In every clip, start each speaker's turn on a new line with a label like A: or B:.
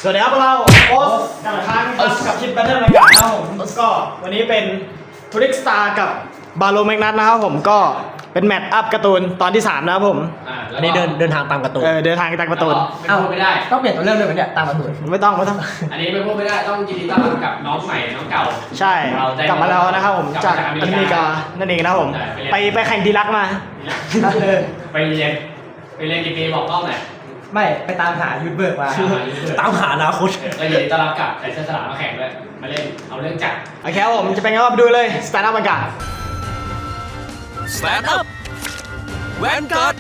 A: สวัสดีครับพวกเราโอ๊ตกับครั้งกับคลิปแบทเทิลรายการนะครับผมก็วันนี้เป็นทูริกสตาร์กับบาโลแมกนัสนะครับผมก็เป็นแมตช์อัพการ์ตูนตอนที่3นะครับผม
B: อันนี้เดินทางตามการ์ตูน
A: เดินทางตามการ์ตูน
C: ไม่ได้
B: ต้องเปลี่ยนตัวเรื่องเลยไหมเนี่ยตามการ์ตูน
A: ไม่ต้อง
C: อันนี้ไม่พูดไม่ได้ต้องยินดีต้อนรับกับน้องใหม่น้องเก่า
A: ใช่กลับมาแล้วนะครับผมจากอเมริกานั่นเองนะครับผมไปแข่งดีลักมา
C: ไปเรียนกี่ปีบอกกล้องหน่อย
B: ไม่ไปตามหายูทูบเบอร์มาตามหาอนาคต
C: ก็ยินดีต้อนรับกับใส่เสื้อสลามมาแข่งด้วยมาเล่นเอาเรื่องจัด
A: โอเคครับผมจะเป็นไงก็ไปดูเลยสแตนด์อัพกัน
D: Stand up Vanguard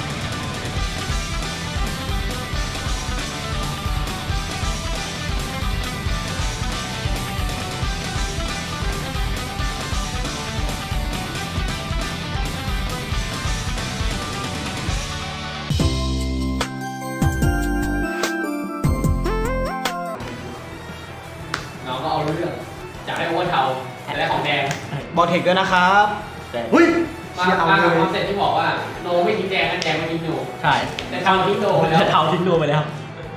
C: น้องก็เอาเรื่องจากให้โอเวอร์เทาและของแดง
A: บอกเทคด้วยนะครับ
C: เฮ้ยมากับความเสร็จที่บอกว่าโนไม่ทิ้งแดงนั่นแดงไม่ทิ้งโน
B: ใช่
C: แต่เทาทิ้งโนไปแล้ว
B: เทาทิ้งโนไปแล้ว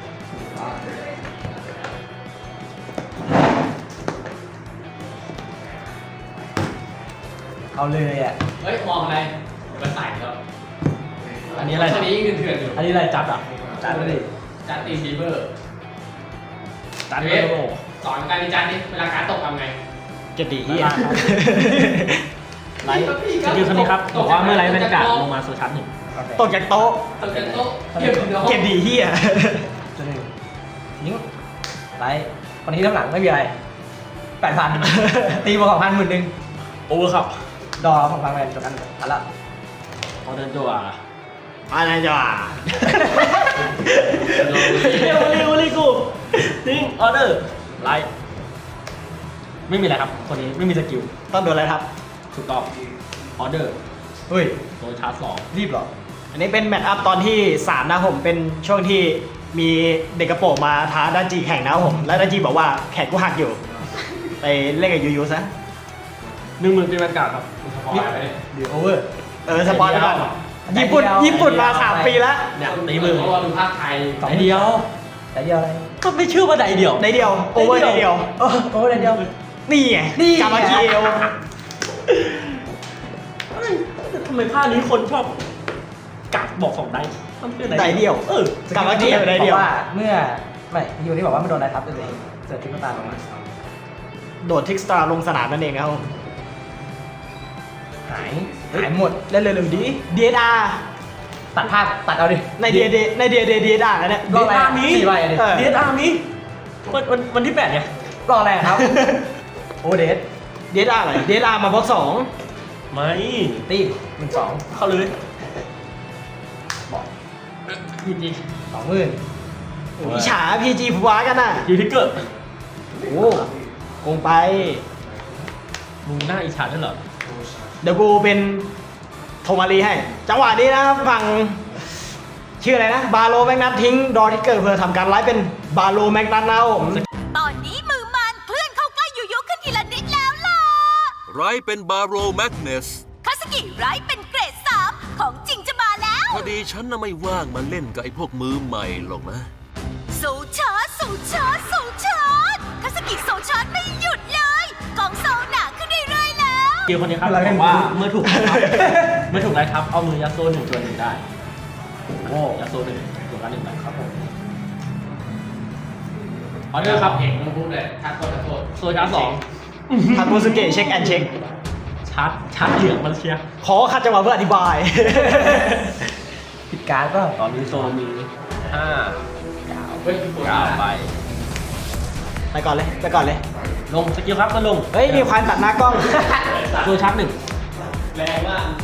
B: เอาเลยอ่ะ
C: เฮ้ยมองอะไรมันใส่แล้ว
B: อันนี้อะไร
C: อันนี้ยังเถื่อนอยู่
B: อันนี้อะไรจัดอ่ะ
C: จัดเลยจัดตีบีเบอร์
B: จัดเลย
C: สอนการดีจัดนี่เวลาการตกทำไง
A: เก็บดีเฮีย
B: ไลฟ์สกิลคนนี้ครับบอกว่าเมื่อไลฟ์บรรยากาศลงมาโซชั้นหนึ่ง
A: ตกจากโต๊ะเก็บดีเฮีย
B: ทิ้งไลฟ์คนนี้น้ำหลังไม่มีอะไร8,000ตีบวกของ1,000นึงโอเวอร์ครับดอของพังแมนจบกันทันละพอเดินจั่ว
A: อะไรจ้ะ
B: เร็วกูทิ้งออเดอร์ไลฟ์ไม่มีอะไรครับคนนี้ไม่มีสกิล
A: ต้องโดนอะไรครับ
B: ถูกต้องออเดอร์
A: เฮ้ย
B: โดนชาร์จ2
A: รีบหรออันนี้เป็นแมตช์อัพตอนที่3นะผมเป็นช่วงที่มีเด็กกระโปรงมาท้าดันจีแข่งนะผมและดันจีบอกว่าแขกกูหักอยู่ไปเล่นกับยูซะ
B: 10,000เป็นบรรยากาศครับ
A: เดี๋ยวโอเวอร์สปอยล์ไปก่อนญี่ปุ่นมา3 ปีแล้ว
B: เนี่ยตีมือ
C: เพราะว่าดูภาคไทย
B: ไดเดียวอะไรก็ไม่เชื่อว่าไดเดียว
A: โอเวอร์ไดเดียว
B: โอเวอร์ไดเดียว
A: นี่ไงกามาเกียว
B: ทำไมภาคนี้คนชอบกักบอก2
A: ไดเดียวกามาเกียวไดเดียว
B: ว่าเมื่อไม่ยูนี่บอกว่าไม่โดนไดทับเลยเสิร์ฟทิกตาลงมา
A: โดดทิกสตาร์ลงสนามนั่นเองครับ
B: หายหมด
A: เล่นเลยดี DSR
B: ตัดภาพตัดเอาดิ
A: ใน DSR แล้วเนี่ย
B: DSR นี้DSR นี้วันที่8ไงรออะไรครับโอเดส
A: DSR อะไร DSR มาบล็อก2
B: ไม่ตี1-2เข้าเลยบอกPG
A: 20,000อิจฉา PG ผัวกันน่ะ
B: ยูทิกเกอร์
A: โอ้โกงไป
B: มึงน่าอิจฉาด้วยเหรอ
A: เดี๋ยวกูเป็นโทมารีให้จังหวะนี้นะครับฝั่งชื่ออะไรนะบาโลแมกนัสทิ้งดอทิกเกอร์เพื่อทำการไลฟ์เป็นบาโลแมกนัสนะผม
E: ตอนนี้มือมันเพื่อนเข้าใกล้ยูยุขึ้นทีละนิดแล้วล่ะ
D: ไรเป็นบาโรแมกเนส
E: คาสกิไรเป็นเกรด3ของจริงจะมาแล้ว
D: พอดีฉันน่ะไม่ว่างมาเล่นกับไอ้พวกมือใหม่หรอกนะ
E: โซชาร์จคาสกิโซชาร์จไม่หยุดเลยกองโซหนาขึ้นเรื่อยๆแล้ว
B: เกี่ยวคนนี้ครับบอกว่าเมื่อถูกไล่ทับเอามือยัดโซ่1ตัว1ได้โอ้ยัดโซ่1ตัวกัน1ไปครับผมออเดอร์ครับ
C: เอกต้องพูดเลยทักโทษ
B: โซชาร์จ2
A: ทาโกสุเกะเช็คแอนเช็ค
B: ชาร์จเหลืองมันเชีย
A: ขอขัดจังหวะเพื่ออธิบาย
B: ผิดการป่ะตอนนี้โซมี9ไป
A: ก่อนเลย
B: ลงสกิลครับมาลง
A: เฮ้ยมีควายตัดหน้ากล้อง
B: โซชาร์จ1
C: แรงมาก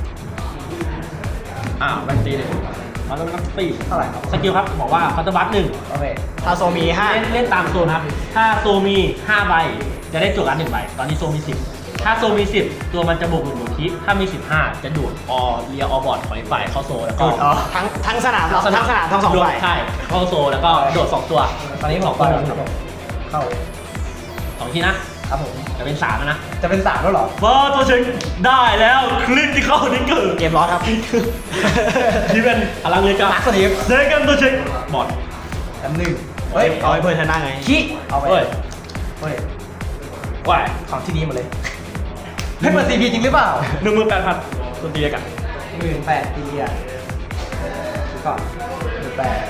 B: แบนตีเลยมาลงนักตีเท่าไหร่ครับสกิลครับบอกว่าคัตเตอร์บัส1โอเค
A: ถ้าโซมี5
B: เล่นตามโซนครับถ้าโซมี5ใบจะได้จั่วการ์ด1ใบตอนนี้โซมี10ถ้าโซมี10ตัวมันจะบวก1คิถ้ามี15จะดูดเรียบอร์ดของฝ่ายเข้าโซแล้วก็
A: ทั้งสนามทั้ง2ฝ่าย
B: ใช่เข้าโซแล้วก็โดด2ตัวตอนนี้2ตัวเข้า2ทีนะครับผมจะเป็น3แล้วนะจะเป็น3แล้วเหรอตัวเช็คได้แล้วคลิกที่เข้านี่เกิด
A: เกมร้อนครับ
B: ที่เป็นพลังเลยกับนักสตีฟเซกันตัวเช็คบอด
A: อันหนึ่ง
B: เฮ้ย
A: เอาให้เพื่อนชนะไง
B: ขี้เอาไป
C: เฮ้ย
B: เฮ้ย
C: ว่าย
B: ของที่นี้หมดเลยให้เปิด CP จริงหรือเปล่า
C: 18,000ตัวตีกัน
B: 18,000ทีอ่ะก่อน18,000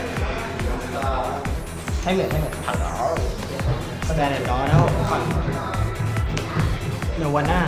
B: ให้เหมือนถังแล้ว
A: แสดงเด็ดร้อนแล้วเนวาน่า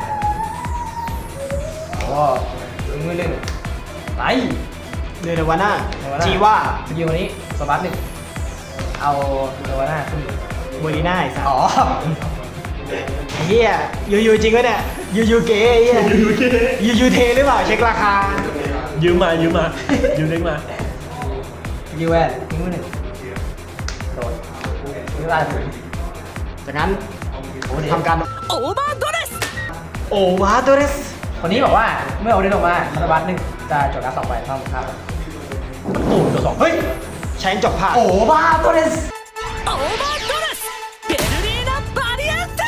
B: โอ้มือหนึ่งไร
A: เนวาน่า
B: Nirvana
A: จีว่า
B: สกิลวันนี้สบัสหนึ่งเอาเนวาน่าขึ้น
A: เบอร์ลีน่าไอ้สัส
B: อ๋อ
A: ไอ้เหี้ยยูจริงวะเนี่ยยูเก๋ไอ้เหี้ยยูเทหรือเปล่าเช็คราคา
C: ยืมมายืมเล็กมา
B: สกิลแวนทิ้งมือหนึ่งโดนทิ้งลายถึง
A: จากนั้น
B: โอ้เดี๋ยว
A: ทำการ
E: オーバードレス
A: โอวาตัวเรส
B: คนนี้บอกว่าเมื่อเอาเดนออกมาสบัสหนึ่งจะจดการ2ใบเท่าครับ
C: โอ้ตัว2
A: เฮ้ยใช้จบผ่าน
B: โอ้บ้าตัวเดส
E: オーバードレスベルリーナバリエンテ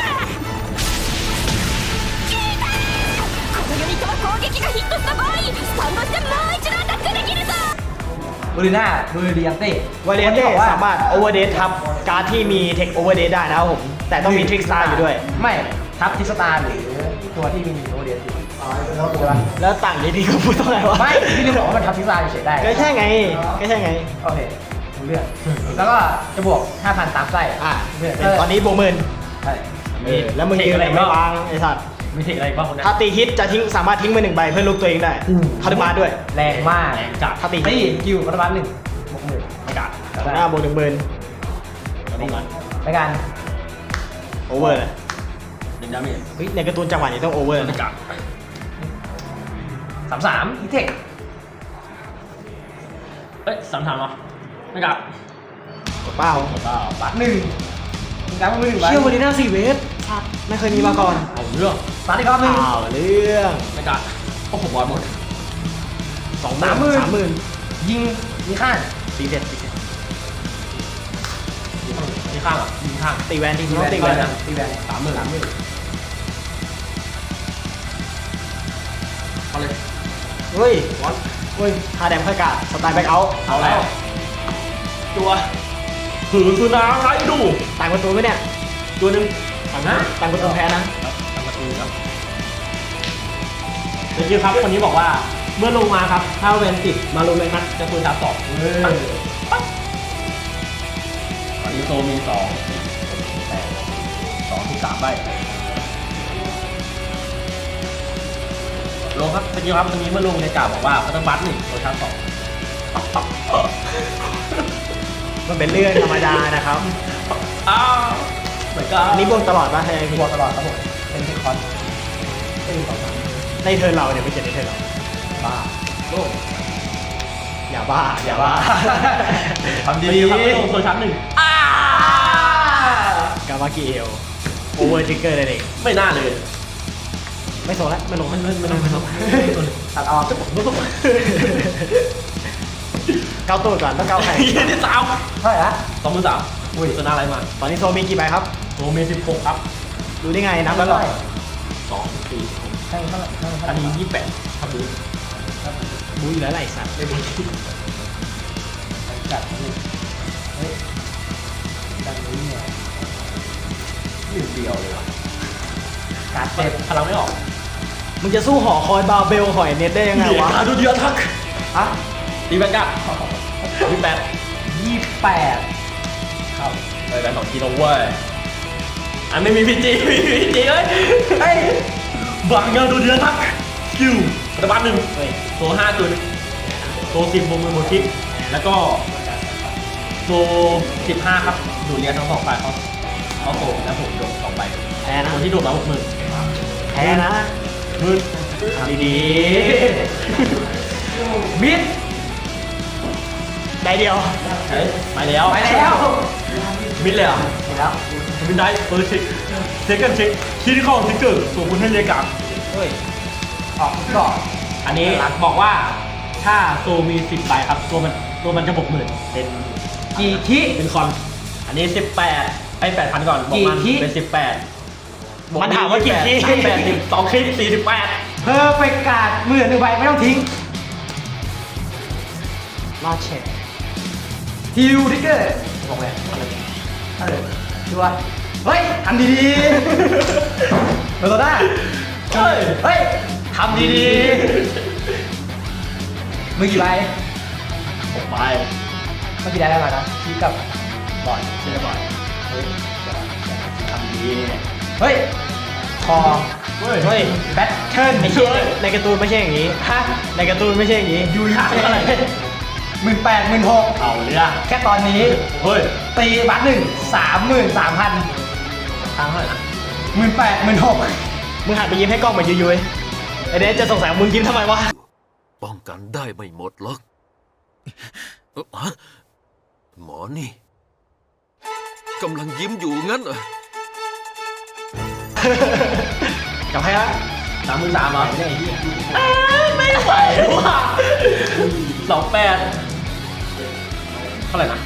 E: 聞いたこのユニットは攻撃がヒットした場合スタンドしてもう一度アタックできるぞ
B: บูริน่าบูริยันเต้
A: วาเลียนเต้สามารถโอเวอร์เดททับการ์ดที่มีเทคโอเวอร์เดทได้นะครับผม แต่ต้องมีทริกสตาร์อยู่ด้วย
B: ไม่ทับทิกสตาร์หรือตัวที่มีโอเดียนอยู่ใช่ปะ
A: แล้วต่างนี้พี่ก็พูดตรงไหนวะ
B: ไม่พี่ลืมบอกว่ามันทับทิกสตาร์เฉยๆได้
A: ก็ใช่ไงก็ใช่ไง
B: โอเครู้เรื่องแล้วก็จะบวก 5,000 ตามไส้
A: อ่ะ
B: เพื่อน
A: ตอนนี้บวกหมื่น
B: ใช่
A: แล้วมึงยืนอะไรไม่วางไอ้สัตว์
C: มีเทคอะไรบ้างคนนั้น
A: ถ้าตีฮิตจะทิ้งสามารถทิ้งมือหนึ่งใบเพื่อลุกตัวเองได้คาร์ดมาด้วย
B: แรงมาก
C: แรงจัด
B: ถ้าตีกิวรัฐบาลหนึ่งบวกหมื่น
C: อากาศ
A: หน้าบวกหนึ่งหมื่น
C: แล้วตรงนั้น
B: ในการ
A: โอเวอร์เลย
C: 1 ดาเมจ
A: เฮ้ยในการ์ตูนจังหวะนี้ต้องโอเวอร์
C: อา
A: นะ
C: กาศ
B: 33อีเทค
C: เอ้ย3 เหรออากาศ
A: เปล่า
B: บัตรหนึ่งมีการมือหนึ่งใบ
A: เชี่ยววาลีน่า4 เวฟไม่เคยมีมาก่อน
C: เอาเรื่อง
B: บัตรอีกรอบหนึ่ง
A: อ้าวเรื่อง
C: อากาศโอ้โหบอลหมด
A: 30,000
B: ยิงมีข้าง
A: ตีเสร็จตีเสร็จ
C: มีข้างอ่ะมีข้าง
A: ตีแวนตี
B: ตี
A: แว
B: แวน
A: นตีแวนนะ
B: ตีแวน
C: 30,000เอาเลย
A: เฮ้ยวัดเฮ้ยคาแดมค่อยกาดสไตล์แบ็คเอาท์
C: เอาแล้วตัวหือสุนาไรดู
A: ต่างประตูไหมเนี่ย
C: ตัวหนึ่งฝั่งหน้า
A: ต่างประตูแพ้นะ
C: ทำประตูครับเมื่อกี้ครับคนนี้บอกว่าเมื่อลงมาครับถ้าเวนติดมาลงเลยนัดจะตัวชาร์จ2ตอนนี้โซมี2 3ใบลงครับเมื่อกี้ครับวันนี้เมื่อลงในกาบอกว่าเขาต้องบัต1ตัวชาร์จ2
A: มันเป็นเรื่องธรรมดานะครับ
C: อ้าวเหมือนกัน
A: อันนี้บวกตลอดป่ะใช่ไหมพี่
B: บวกตลอดครับผมเป็นเทคคอนเป็น2
A: ในเทิร์นเราเนี่ยไม่ใช่ในเทิร์นเรา
B: บ้าโลก
A: อย่าบ้าอย่าบ้า
C: ทำดีๆครับลงตัวชาร์จ1
A: กามากิเอลโอเวอร์ทริกเกอร์นั่นเอง
C: ไม่น่าเลย
A: ไม่โซนแล้วไม่ลง
C: ไม่ลง
B: ตัดออก
A: เก้าตัวก่อนต้องเก้าใคร
C: ยี่ที่3
B: เท่าไหร่ละ
C: 23อุ้ยชนะอะไรมา
A: ตอนนี้โซมีกี่ใบครับ
C: โซมี16ครับ
A: ดูได้ไงนับแล้วเหรอ
C: 2 4
B: ใช่เท่าไหร่เท่าไหร่
C: อันนี้28ครับดู
A: บูอยู่แล้วไหลสัตว์
B: จัดนี่เฮ้ยจัดนี้เนี่ย
C: 1 เดียวเลยว่ะ
B: การ์ด
C: เจ็
B: เจ็
C: บบ พลังไม่ออก
A: มึงจะสู้หอคอยบาร์เบลหอยเน็ตได้ยังไงวะ
C: ดูเดียวทัก
B: อะ
C: ตีแบงก้า28
B: 28ครับ
C: ไปแบงค์2 กิโลเว้ยอันไม่มีพีจีมีพีจีเลย
B: เฮ้ย
C: บางเงาดูเดียวทักคิวปฏิบัติ1
A: เฮ้ย
C: โซ5จุดโซ10บวกมือหมดคิดแล้วก็โซ15ครับดูเรียนทั้ง2ฝ่ายเขาโซแล้วผมโดน2ใบ
A: แพ้นะ
C: คนที่โดนมา60,000
A: แพ้นะ
C: มืด
A: ดี
B: มิด
A: ๆได้เดียว
C: เฮ้ยไปแล้ว
B: ไปแล้ว
C: มิดเลยอ่ะ
B: เห็นแล้ว
C: มิดได้เฟิร์สเช็คเซ็กันเช็คคิดเข้าทิกเกอร์ส่งคุณให้เรียกลับ
A: เฮ้ย
B: ออกก่อน
C: อันนี้บอกว่าถ้าโซมี10ใบครับตัวมันจะ60,000เป็น
B: กี่คิ
C: เป็นคอน อันนี้18ไป8,000ก่อนบอกมัน
B: กี่คิ
C: เป็น18
A: มันถามว่ากี่ที่
C: 8 2คลิป48
B: เพอร์เฟกการ์ดมือ1ใบไม่ต้องทิ้ง
A: รอดเช็ค
B: ฮิวทิกเกอร์
A: โอ้
B: บอกเลยชัวร์เฮ้ยทำดีๆโดนได้เฮ้ยทำดีๆมือกี่ใบ
C: ผมไป
B: เมื่อกี้ได้แล้วนะชี้กับบอล
C: เชื่อบ่อย
B: เฮ้ย
C: ทำดี
B: เฮ้ยคอ
C: เฮ้ย
A: เฮ้ย
B: แบทเทิล
A: ไอ้เหี้ยในการ์ตูนไม่ใช่อย่างนี้
B: ฮะ
A: ในการ์ตูนไม่ใช่อย่างนี้
B: ยูยาอะไร18,000 16,000
C: เอาเรื่อง
B: แค่ตอนนี้
C: เฮ้ย
B: ตีบัตร33,000
C: ทางเท่าไหร่นะ
B: 18,000 16,000
A: มึงหันไปยิ้มให้กล้องเหมือนยุยๆไอ้เนสจะสงสัยว่ามึงยิ้มทำไมวะ
D: ป้องกันได้ไม่หมดหรอกฮะหมอนี่กำลังยิ้มอยู่งั้นเหรอ
A: กับใครฮะ
C: 33,000เหรอไม่ไหวว่ะ28เท่าไหร่นะ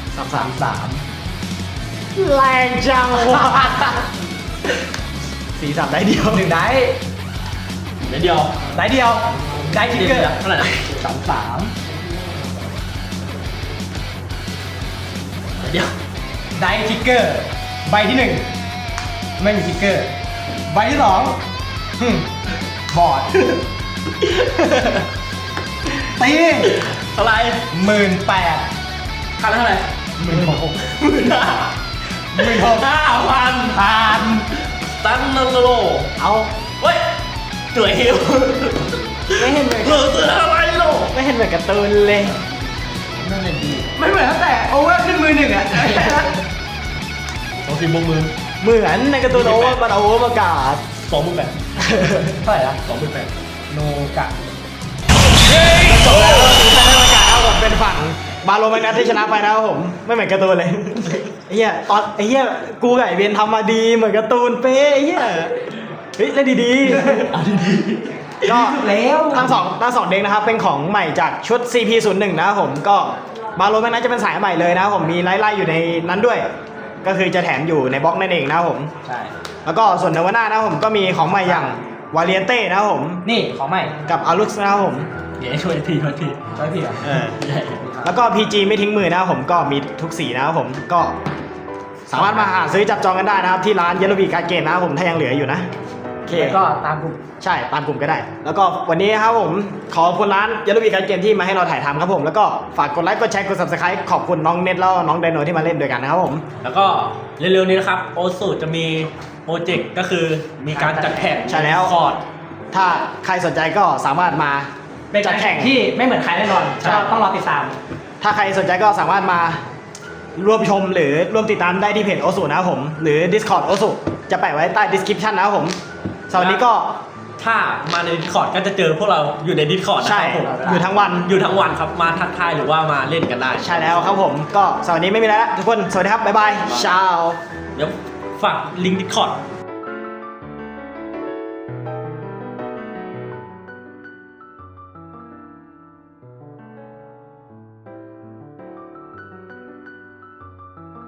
B: 33
A: แรงจังวะสีสันได้เดียว
B: 1ได้
C: เดี๋ยวเดียว
B: ได้เดียว ได้ทิกเกอร์
C: เท่าไหร่นะ
B: 33
C: เดี๋ยว
B: ได้ทิกเกอร์ ใบที่ 1 ไม่มีทิกเกอร์ ใบที่ 2บอร์ด ตี
C: เท่าไหร่
B: 18,000
C: ค่าละเท่าไหร่
B: 16,000
C: 16,000 5,000
B: ผ่าน
C: ตันนันโล
B: เอา
C: เฮ้ยตัวเฮล
A: ไม่เห็นเหมือน
C: เหลือเสืออะไรโล
A: ไม่เห็นเหมือนการ์ตูนเลย
B: นั่นเลยดีไม่เหมือนตั้งแต่โอเวอร์ขึ้นมือหนึ่งอ่ะ
C: ต้องสิบบวกมือ
A: เหมือนในการ์ตูนโอเวอร์มันโอเวอร์ประกาศ
C: 28,000
B: เท่าไหร่ละ
C: 28,000
B: โนกะ
A: จบแล้วแต่ในประกาศนะครับผมเป็นฝั่งบาโลแมกนัสที่ชนะไปนะครับผมไม่เหมือนการ์ตูนเลยไอ้เหี้ยตอนไอ้เหี้ยกูกับไอ้เบนทำมาดีเหมือนการ์ตูนเป๊ะไอ้เหี้ยเฮ้ยเล่นดีๆเอาดีๆก็แล้วทั้งสองเด็กนะครับเป็นของใหม่จากชุด CP01 นะครับผมก็บาโลแมกนัสจะเป็นสายใหม่เลยนะครับผมมีไล่ๆอยู่ในนั้นด้วย ก็คือจะแถมอยู่ในบล็อกนั่นเองนะครับผม
B: ใช่
A: แล้วก็ส่วนเนวาน่านะครับผมก็มีของใหม่อย่างวาเลียนเต้นะครับผม
B: นี่ของใหม่
A: กับอารุสนะครับผม
C: เดี๋ยวช่วยที
B: ช่วยพี่เหรอ
A: แล้วก็ PG ไม่ทิ้งมือนะครับผมก็มีทุกสีนะครับผมก็สามารถมาหาซื้อจับจองกันได้นะครับที่ร้านเยลโลบีการ์เกตนะครับผมถ้ายังเหลืออยู่นะโอเค
B: แล้วก็ตามกลุ่ม
A: ใช่ตามกลุ่มก็ได้ แล้วก็วันนี้ครับผมขอบคุณร้านเยลโลบีการ์เกตที่มาให้เราถ่ายทำครับผมแล้วก็ฝากกดไลค์กดแชร์กด subscribe ขอบคุณน้องเน็ตแล้วน้องไดโนที่มาเล่นด้วยกันนะครับผม
C: แล้วก็เร็วๆนี้นะครับโอสูจะมีโปรเจกต์ก็คือมีการจัดแข่ง
A: ใช่แล้ว
C: คอร์ด
A: ถ้าใครสนใจก็สามารถมา
B: เป็น
A: จั
B: กา
A: ด
B: ร
A: แข่
B: แข่
A: ง
B: งที่ไม่เหมือนใครแน่นอน
A: ใช่
B: ก็ต้องรอติดตาม
A: ถ้าใครสนใจก็สามารถมาร่วมชมหรือร่วมติดตามได้ที่เพจโอสุนะครับผมหรือ Discord โอสุจะแปะไว้ใต้ description นะครับผมสำหรับวันนี้ก็
C: ถ้ามาใน Discord ก็จะเจอพวกเราอยู่ใน Discord นะ
A: ใช่
C: ครับผม
A: อยู่ทั้งวัน
C: อยู่ทั้งวันครับมาทักทายหรือว่ามาเล่นกันได้
A: ใช่แล้วครับผมก็สำหรับวันนี้ไม่มีแล้วทุกคนสวัสดีครับบ๊ายบายชาว
C: เดี๋ยวฝากลิงก์ Discord